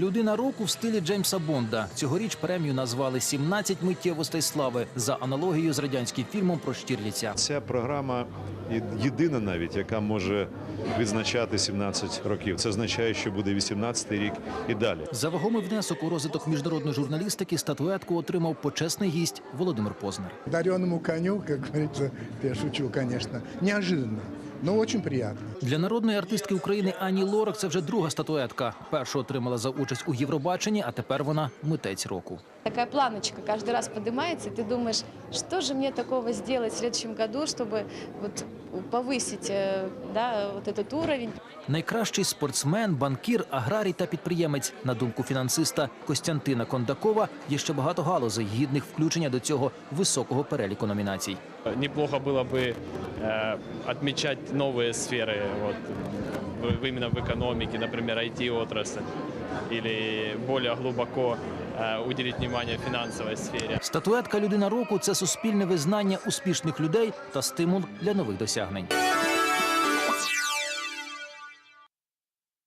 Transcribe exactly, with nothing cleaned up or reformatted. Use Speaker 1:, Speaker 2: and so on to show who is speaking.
Speaker 1: Людина року в стилі Джеймса Бонда. Цьогоріч премію назвали «сімнадцять миттєвостей слави» за аналогією з радянським фільмом про Штірліця.
Speaker 2: Ця програма єдина навіть, яка може відзначати сімнадцять років. Це означає, що буде вісімнадцятий рік і далі.
Speaker 1: За вагомий внесок у розвиток міжнародної журналістики статуетку отримав почесний гість Володимир Познер.
Speaker 3: Дареному коню, как говорится, я шучу, конечно, неожиданно, но очень приятно.
Speaker 1: Для народної артистки України Ані Лорак це вже друга статуетка. Першу отримала за участь у Євробаченні, а тепер вона митець року.
Speaker 4: Такая планочка каждый раз поднимается, и ты думаешь, что же мне такого сделать в следующем году, чтобы вот повысить, да, вот этот уровень.
Speaker 1: Найкращий спортсмен, банкір, аграрій та підприємець. На думку фінансиста Костянтина Кондакова, є ще багато галузей, гідних включення до цього високого переліку номінацій.
Speaker 5: Неплохо было бы э, отмечать новые сферы, вот, в, именно в экономике, например, ай ти-отрасль, или более глубоко э, уделить внимание финансовой сфере.
Speaker 1: Статуетка «Людина року» – це суспільне визнання успішних людей та стимул для нових досягнень.